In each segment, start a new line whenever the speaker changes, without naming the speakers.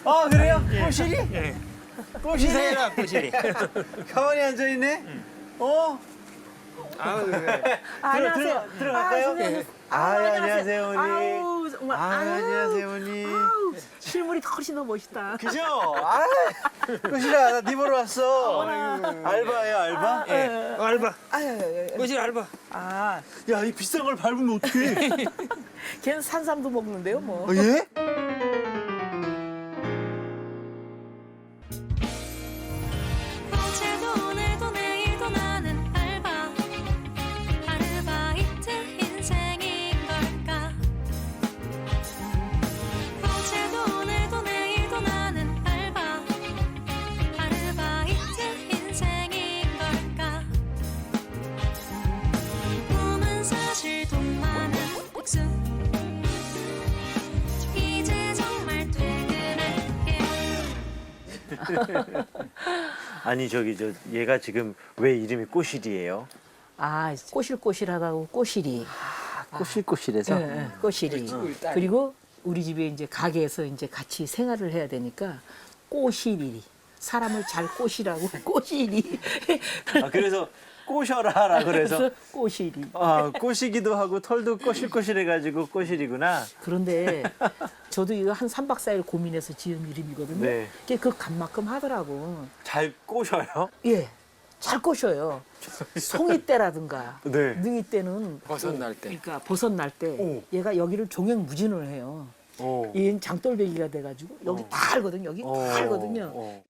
아 그래요? 꼬실이?
예.
꼬실이?
꼬실이.
가만히 앉아 있네. 어?
아우, 그래.
안녕하세요.
들어갈까요?
선생님.
예. 안녕하세요, 어머니.
아우, 정말.
안녕하세요, 어머니.
아우, 실물이 훨씬 더 멋있다.
그죠? 아, 꼬실아, 나 네 보러 왔어. 알바예요, 알바?
예. 알바.
아유,
꼬실 알바.
아,
야, 이 비싼 걸 밟으면 어떡해?
걔는 산삼도 먹는데요, 뭐.
어, 예?
어제도 오늘도 내일도 나는 아르바이트 인생인 걸까. 어제도 오늘도 내일도 나는 아르바이트 인생인 걸까. 몸은 사실 돈 많은 백수. 이제 정말 퇴근할게.
아니, 얘가 지금 왜 이름이 꼬실이에요?
아, 꼬실꼬실하다고 꼬실이.
꼬실꼬실해서?
예, 꼬실이. 그리고 우리 집에 이제 가게에서 이제 같이 생활을 해야 되니까 꼬실이. 사람을 잘 꼬시라고 꼬실이.
아, 그래서 꼬셔라라 그래서.
꼬실이.
아, 꼬시기도 하고 털도 꼬실꼬실해가지고 꼬실이구나.
그런데 저도 이거 한 3박 4일 고민해서 지은 이름이거든요.
네.
그게 그 값만큼 하더라고.
잘 꼬셔요?
예, 잘 꼬셔요. 송이 때라든가
네.
능이 때는
버섯 날 때.
그러니까 버섯 날 때
오.
얘가 여기를 종횡무진을 해요.
어.
얘는 장돌배기가 돼가지고 여기 다 알거든요. 여기 다 알거든요.
어.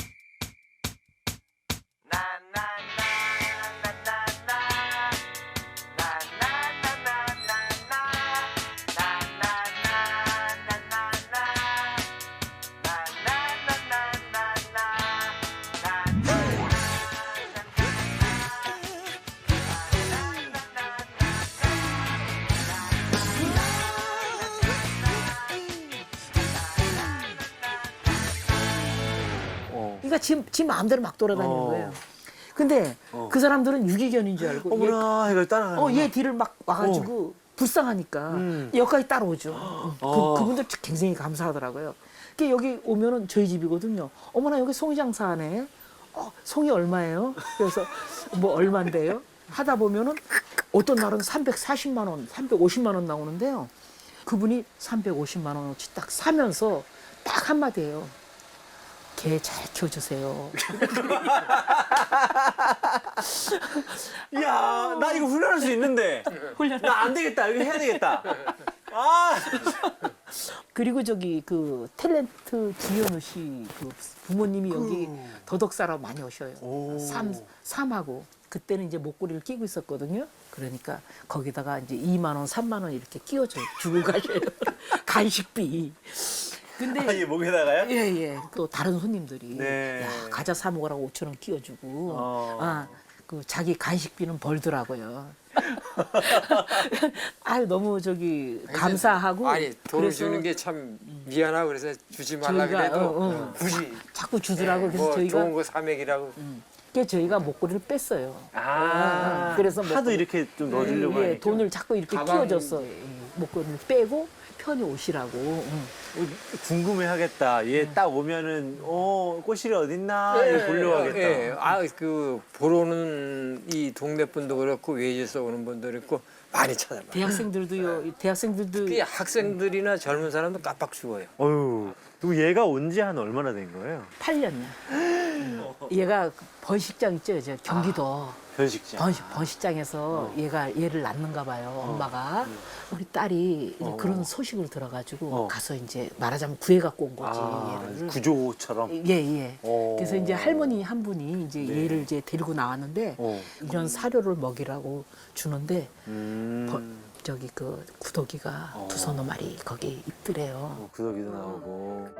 그러니까 지 마음대로 막 돌아다니는
어.
거예요. 근데 그 사람들은 유기견인 줄 알고
어머나, 이걸 따라가는
얘 뒤를 막 와가지고 불쌍하니까 여기까지 따라오죠. 그분들 굉장히 감사하더라고요. 그 여기 오면은 저희 집이거든요. 어머나 여기 송이 장사하네. 송이 얼마예요? 그래서 뭐 얼마인데요? 하다 보면은 어떤 날은 340만 원, 350만 원 나오는데요. 그분이 350만 원어치 딱 사면서 딱 한마디예요. 개 잘 키워주세요.
야, 나 이거 훈련할 수 있는데. 나 안 되겠다. 이거 해야 되겠다. 아,
그리고 저기 그 탤런트 지현우 씨 그 부모님이 여기 더덕사라고 많이 오셔요. 삼하고 그때는 이제 목걸이를 끼고 있었거든요. 그러니까 거기다가 이제 2만 원, 3만 원 이렇게 끼워줘 주고 가셔요. 간식비. 근데
이 목에다가요?
예예. 또 다른 손님들이
네.
야 과자 사 먹으라고 5천 원 끼워주고
어.
그 자기 간식비는 벌더라고요. 아유 너무 저기 감사하고
아니, 돈을
그래서
주는 게 참 미안하고 그래서 주지 말라
저희가,
그래도 굳이
자꾸 주더라고. 그래서
뭐
저희가
좋은 거 사먹이라고.
그래서 저희가 목걸이를 뺐어요.
그래서
그래서
하도 이렇게 좀 넣어주려고
예,
하니까.
돈을 자꾸 이렇게
가방-
끼워줬어. 목걸이를 빼고 편히 오시라고.
궁금해하겠다. 얘 딱 오면은 꼬실이 어딨나 이거 보려고 하겠다.
예, 그 보러 오는 이 동네 분도 그렇고 외지에서 오는 분도 그렇고 많이 찾아봐요.
대학생들도요. 대학생들도
특히 학생들이나 젊은 사람도 깜빡 죽어요.
어휴, 그리고 얘가 온 지 한 얼마나 된 거예요?
8년이야. 얘가 번식장 있죠, 저 경기도.
변식장.
번식장에서 얘를 낳는가 봐요, 엄마가. 우리 딸이 이제 그런 소식을 들어가지고 가서 이제 말하자면 구해갖고 온 거지, 얘를.
구조처럼.
예, 예.
어.
그래서 이제 할머니 한 분이 이제 얘를 이제 데리고 나왔는데 이런 사료를 먹이라고 주는데 저기 그 구더기가 두서너 마리 거기 있더래요.
구더기도 나오고.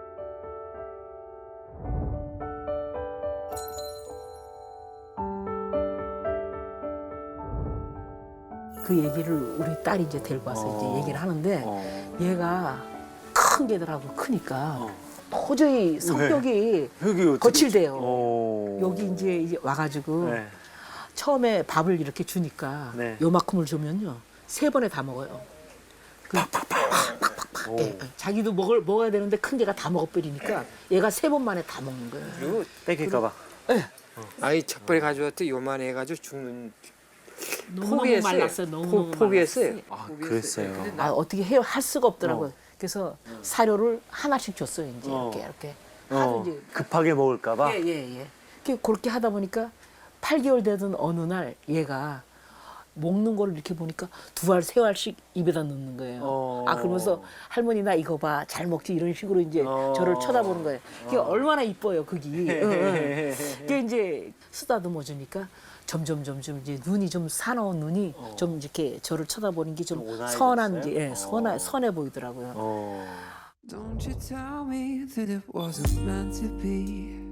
그 얘기를 우리 딸이 이제 데리고 와서 이제 얘기를 하는데 얘가 큰 개들하고 크니까 도저히 성격이
여기 어떻게-
거칠대요.
어.
여기 이제 와가지고
네.
처음에 밥을 이렇게 주니까
네.
요만큼을 주면요 3번에 다 먹어요. 팍팍팍 자기도 먹어야 되는데 큰 개가 다 먹어버리니까 얘가 3번 만에 다 먹는 거예요.
그리고
뺏길까봐.
아이 첫번에 가져왔더니 요만해 해가지고 죽는
너무
포기했어요.
말랐어요. 너무
포기했어요.
아, 그랬어요.
어떻게 해요? 할 수가 없더라고요. 그래서 사료를 하나씩 줬어요. 이제 이렇게 하도 이제
급하게 먹을까봐.
예. 그렇게 하다 보니까 8개월 되던 어느 날 얘가 먹는 거를 이렇게 보니까 2알, 3알씩 입에다 넣는 거예요. 그러면서 할머니 나 이거 봐. 잘 먹지 이런 식으로 이제 저를 쳐다보는 거예요. 그게 얼마나 이뻐요, 그게. 그게 이제 쓰다듬어 주니까 점점 이제 눈이 좀 사나운 눈이 좀 이렇게 저를 쳐다보는 게 좀
온화해졌어요?
선한 이제 선해 보이더라고요.
Don't you tell me that it wasn't meant to be.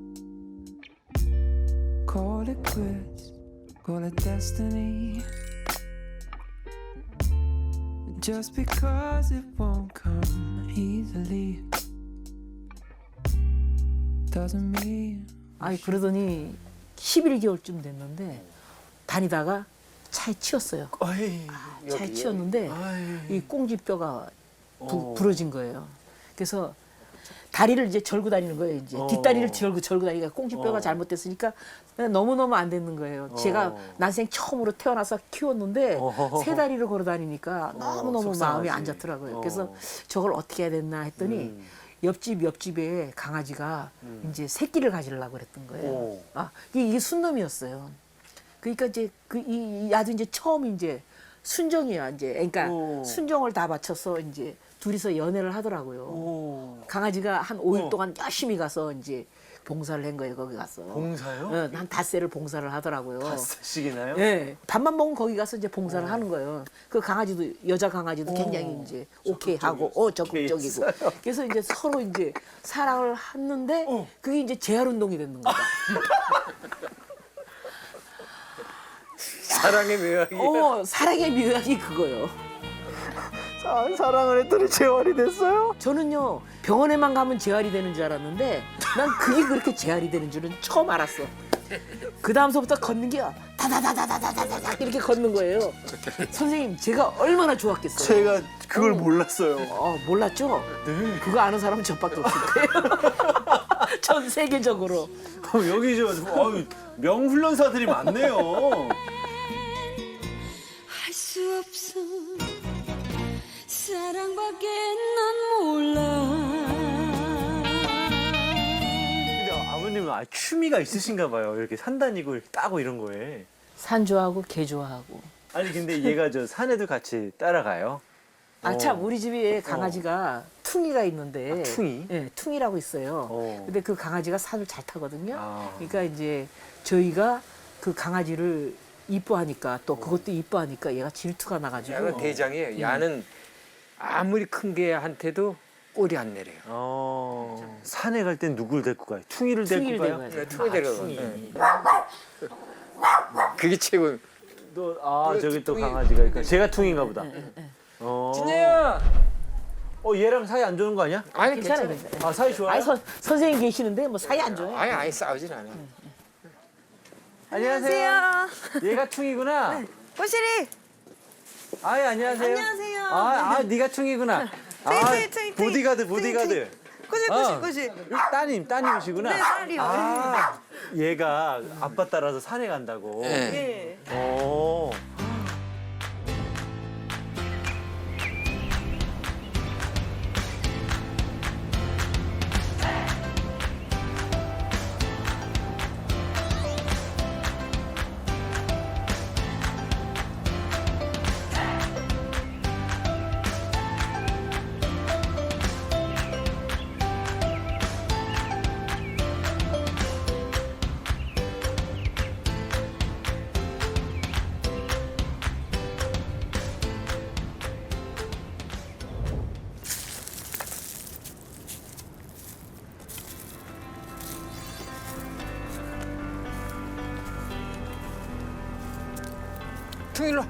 Call it quits, call it destiny. Just because it won't come easily doesn't mean.
아이 그러더니 11개월쯤 됐는데 다니다가 차에 치였어요. 차에 치였는데 이 꽁지뼈가 부러진 거예요. 그래서 다리를 이제 절고 다니는 거예요. 이제 뒷다리를 절고 다니니까 꽁지뼈가 잘못됐으니까 너무너무 안 되는 거예요. 제가 난생 처음으로 태어나서 키웠는데 3다리를 걸어 다니니까 너무너무 마음이 안 좋더라고요. 그래서 저걸 어떻게 해야 됐나 했더니 옆집에 강아지가 이제 새끼를 가지려고 그랬던 거예요. 이게 순놈이었어요. 그러니까 이제 야도 이제 처음 이제 순정이야 이제. 그러니까 순정을 다 바쳐서 이제 둘이서 연애를 하더라고요. 강아지가 한 5일 동안 열심히 가서 이제 봉사를 한 거예요. 거기 가서.
봉사요?
한 닷새를 봉사를 하더라고요.
닷새씩이나요?
예. 밥만 먹으면 거기 가서 이제 봉사를 하는 거예요. 그 강아지도 여자 강아지도 굉장히 이제 오케이 하고 적극적이고. 그래서 이제 서로 이제 사랑을 했는데 그게 이제 재활 운동이 되는 거다.
사랑의 묘약이.
사랑의 묘약이 그거요.
사랑을 했더니 재활이 됐어요?
저는요 병원에만 가면 재활이 되는 줄 알았는데 난 그게 그렇게 재활이 되는 줄은 처음 알았어. 그 다음서부터 걷는 게 다다다다다다다다 이렇게 걷는 거예요. 선생님 제가 얼마나 좋았겠어요.
제가 그걸 몰랐어요.
몰랐죠?
네.
그거 아는 사람은 저밖에 없을 거예요. 전 세계적으로.
여기 명훈련사들이 많네요.
할 수 없어 사랑밖에 난 몰라.
근데 아버님은 취미가 있으신가 봐요. 이렇게 산 다니고 이렇게 따고 이런 거에.
산 좋아하고 개 좋아하고.
아니 근데 얘가 저 산에도 같이 따라가요?
참 우리 집에 강아지가 퉁이가 있는데
퉁이?
네, 퉁이라고 있어요. 근데 그 강아지가 산을 잘 타거든요.
아.
그러니까 이제 저희가 그 강아지를 이뻐하니까 또 그것도 이뻐하니까 얘가 질투가 나가지고
야는 대장이에요. 야는 아무리 큰 개한테도 꼬리 안 내려요.
산에 갈 땐 누굴 데리고 가요? 퉁이를 데리고
퉁이를
가요?
데리고 가요.
퉁이 데려가. 그게 최고.
저기 또 강아지가 있고 제가 퉁인가 보다.
진혜야.
얘랑 사이 안 좋은 거 아니야?
아니
괜찮아요.
괜찮아.
괜찮아요.
사이 좋아요?
아니 선생님 계시는데 뭐 사이 안 좋아요.
아니 싸우진 않아.
안녕하세요. 얘가 퉁이구나.
꼬시리.
안녕하세요.
안녕하세요.
네가 퉁이구나.
퉁이.
보디가드.
꼬시.
따님이시구나.
네, 딸이요.
얘가 아빠 따라서 산에 간다고.
네.
예.
오.
퉁일로.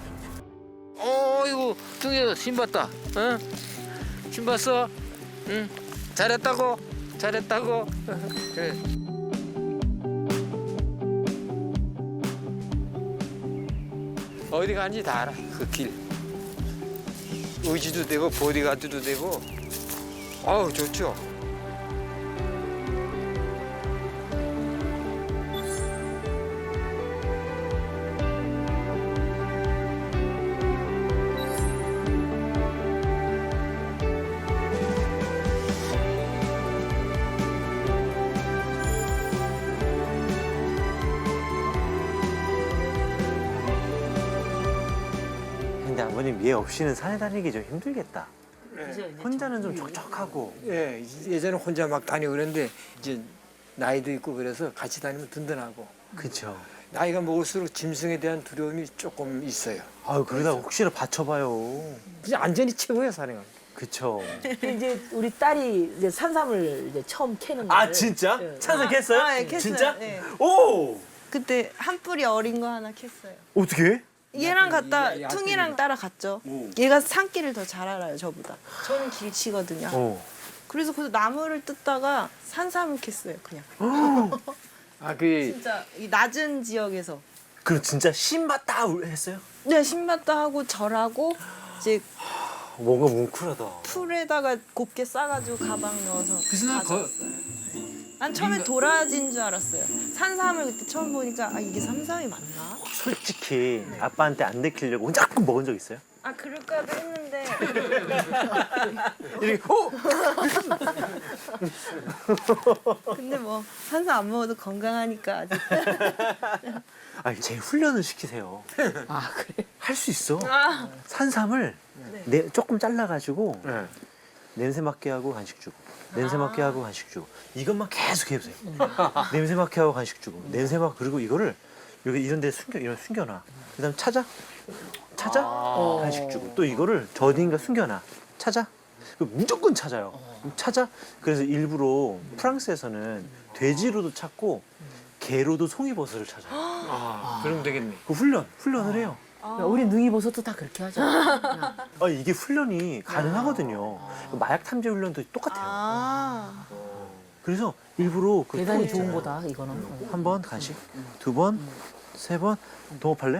이거 퉁이 신봤다. 응? 신봤어? 응. 잘했다고. 그래. 어디 가는지 다 알아. 그 길. 의지도 되고 보디가드도 되고 아우 좋죠.
근데 아버님 얘 없이는 산에 다니기 좀 힘들겠다. 혼자는 좀 촉촉하고.
예, 예전에 혼자 막 다니고 그랬는데 이제 나이도 있고 그래서 같이 다니면 든든하고
그쵸.
나이가 먹을수록 짐승에 대한 두려움이 조금 있어요.
아유 그러다 혹시나 받쳐봐요.
그냥 안전이 최고예요 산행은.
그쵸.
이제 우리 딸이 이제 산삼을 이제 처음 캐는
아
거를
진짜?
네.
찬성 캤어요?
아, 예, 캤어요.
진짜?
네.
오!
그때 한 뿌리 어린 거 하나 캤어요.
어떻게?
얘랑 갔다
야생이다.
퉁이랑 따라갔죠. 얘가 산길을 더 잘 알아요 저보다. 저는 길치거든요. 그래서 그 나무를 뜯다가 산삼을 캤어요 그냥.
아그
진짜 이 낮은 지역에서.
그럼 진짜 신맛다 했어요?
네 신맛도 하고 절하고 이제
뭔가 뭉클하다.
풀에다가 곱게 싸가지고 가방 넣어서
그래서 난
가져왔어요. 난 처음에 도라지인 줄 알았어요. 산삼을 그때 처음 보니까 아 이게 삼삼이 맞나?
솔직히 아빠한테 안 내키려고 혼자 가끔 먹은 적 있어요?
아 그럴까도 했는데
이렇게 어?
근데 뭐 산삼 안 먹어도 건강하니까 아직.
제 훈련을 시키세요.
아 그래.
할 수 있어.
아.
산삼을 조금 잘라가지고
네.
냄새 맡게 하고 간식 주고 냄새 맡게 하고 간식 주고 이것만 계속 해보세요. 냄새 맡게 하고 간식 주고 냄새 맡 그리고 이거를 여기 이런 데 숨겨놔. 그다음 찾아 간식 주고 또 이거를 저 어딘가 숨겨놔. 찾아 무조건 찾아요. 찾아. 그래서 일부러 프랑스에서는 돼지로도 찾고 개로도 송이버섯을 찾아요.
아, 그럼 되겠네.
그 훈련을 해요.
우리 능이버섯도 다 그렇게 하죠.
이게 훈련이 가능하거든요. 마약 탐지 훈련도 똑같아요.
아.
그래서 일부러 그
대단히
코
좋은
있잖아요.
거다 이거는.
한 번 간식, 두 번, 세 번 동업할래요?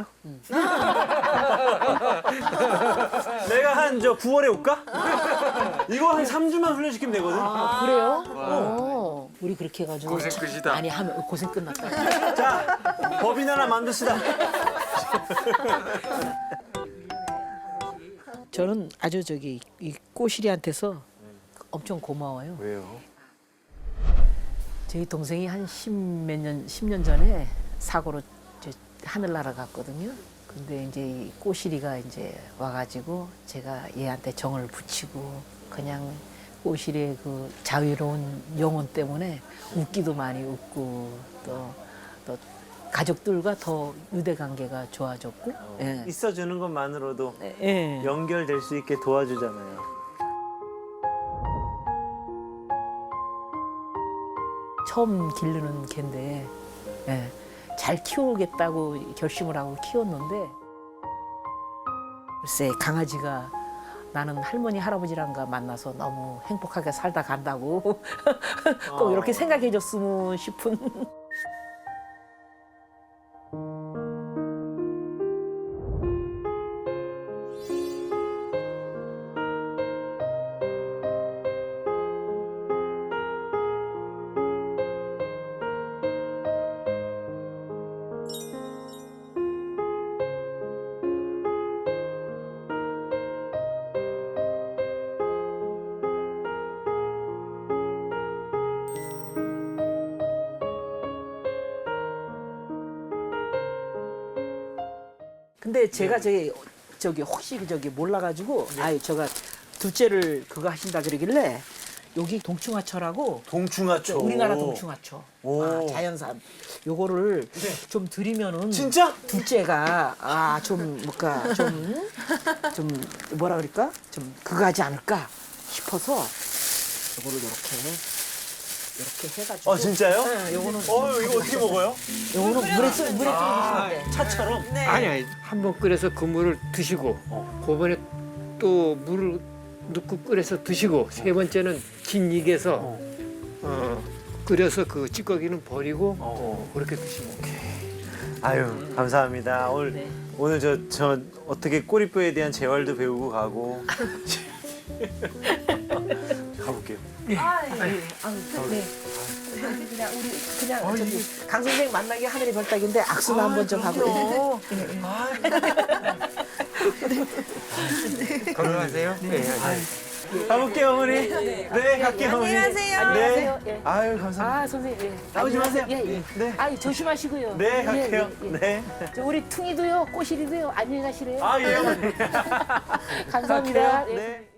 내가 한 9월에 올까? 이거 한 3주만 훈련시키면 되거든.
아 그래요? 우리 그렇게 해가지고
고생 끝이다.
아니 하면 고생 끝났다.
자, 법인 하나 만듭시다.
저는 아주 이 꼬시리한테서 엄청 고마워요.
왜요?
저희 동생이 한 10년 전에 사고로 하늘나라 갔거든요. 근데 이제 이 꼬시리가 이제 와가지고 제가 얘한테 정을 붙이고 그냥 꼬시리의 그 자유로운 영혼 때문에 웃기도 많이 웃고 또 가족들과 더 유대 관계가 좋아졌고. 예.
있어주는 것만으로도
예.
연결될 수 있게 도와주잖아요.
처음 기르는 개인데 예, 잘 키우겠다고 결심을 하고 키웠는데 글쎄 강아지가 나는 할머니 할아버지랑가 만나서 너무 행복하게 살다 간다고 꼭 이렇게 생각해 줬으면 싶은. 근데 제가 저기 혹시 몰라가지고 아유 제가 둘째를 그거 하신다 그러길래 여기 동충하초라고
동충하초.
우리나라 동충하초
오.
자연산 요거를 좀 드리면은
진짜?
둘째가 좀 뭔가 좀 뭐라 그럴까 좀 그거 하지 않을까 싶어서 요거를 이렇게 해가지고
진짜요?
네, 요거는
이거 어떻게 먹어요?
요거는 물에 끓여주시면 돼.
차처럼?
네.
아니 한번 끓여서 그 물을 드시고 그번에 또 물을 넣고 끓여서 드시고 세 번째는 긴 익에서 끓여서 그 찌꺼기는 버리고 그렇게 드시면
아유 감사합니다. 오늘 저 어떻게 꼬리뼈에 대한 재활도 배우고 가고 가볼게요.
아, 예. 네. 그냥 우리 그냥 저기 강 선생 만나기 하늘의 별따기인데 악수나 한번 좀 하고.
건강하세요. 네.
가볼게요 어머니. 네 갈게요 어머니.
안녕하세요.
안녕하세요. 예.
아유 감사합니다.
아 선생님. 예.
나오지 마세요.
예, 예.
네.
아 조심하시고요.
네
예,
갈게요.
예, 예.
네.
저 우리 퉁이도요, 꼬시리도요. 안녕히 가시래요.
아 예 어머니.
감사합니다.
갈게요.
예.
네.